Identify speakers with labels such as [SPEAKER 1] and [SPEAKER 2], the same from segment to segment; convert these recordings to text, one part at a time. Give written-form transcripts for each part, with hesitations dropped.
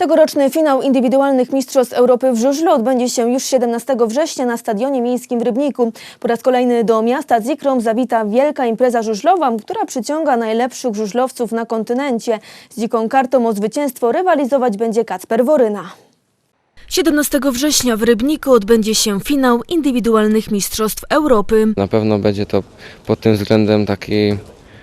[SPEAKER 1] Tegoroczny finał indywidualnych Mistrzostw Europy w żużlu odbędzie się już 17 września na Stadionie Miejskim w Rybniku. Po raz kolejny do miasta Zikrom zawita wielka impreza żużlowa, która przyciąga najlepszych żużlowców na kontynencie. Z dziką kartą o zwycięstwo rywalizować będzie Kacper Woryna. 17 września w Rybniku odbędzie się finał indywidualnych Mistrzostw Europy.
[SPEAKER 2] Na pewno będzie to pod tym względem taki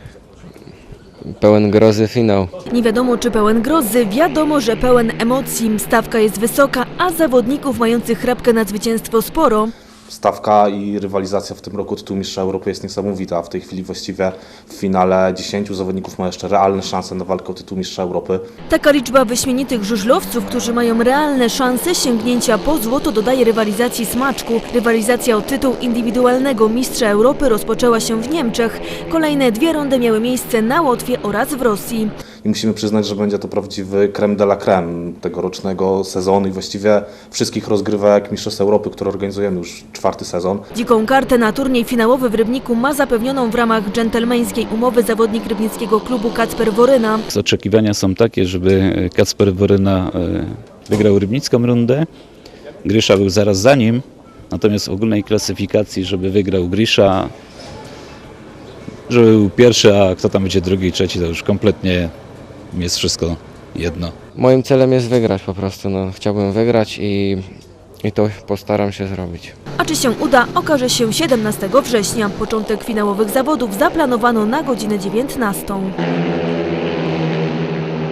[SPEAKER 2] pełen grozy finał.
[SPEAKER 1] Nie wiadomo, czy pełen grozy, wiadomo, że pełen emocji. Stawka jest wysoka, a zawodników mających chrapkę na zwycięstwo sporo.
[SPEAKER 3] Stawka i rywalizacja w tym roku tytułu Mistrza Europy jest niesamowita. W tej chwili właściwie w finale 10 zawodników ma jeszcze realne szanse na walkę o tytuł Mistrza Europy.
[SPEAKER 1] Taka liczba wyśmienitych żużlowców, którzy mają realne szanse sięgnięcia po złoto, dodaje rywalizacji smaczku. Rywalizacja o tytuł indywidualnego Mistrza Europy rozpoczęła się w Niemczech. Kolejne 2 rundy miały miejsce na Łotwie oraz w Rosji.
[SPEAKER 3] I musimy przyznać, że będzie to prawdziwy crème de la crème tegorocznego sezonu i właściwie wszystkich rozgrywek Mistrzostw Europy, które organizujemy już 4. sezon.
[SPEAKER 1] Dziką kartę na turniej finałowy w Rybniku ma zapewnioną w ramach dżentelmeńskiej umowy zawodnik rybnickiego klubu Kacper Woryna.
[SPEAKER 4] Oczekiwania są takie, żeby Kacper Woryna wygrał rybnicką rundę. Grysza był zaraz za nim, natomiast w ogólnej klasyfikacji, żeby wygrał Grysza, żeby był pierwszy, a kto tam będzie drugi i trzeci, to już kompletnie jest wszystko jedno.
[SPEAKER 2] Moim celem jest wygrać po prostu. Chciałbym wygrać i to postaram się zrobić.
[SPEAKER 1] A czy się uda, okaże się 17 września. Początek finałowych zawodów zaplanowano na godzinę 19.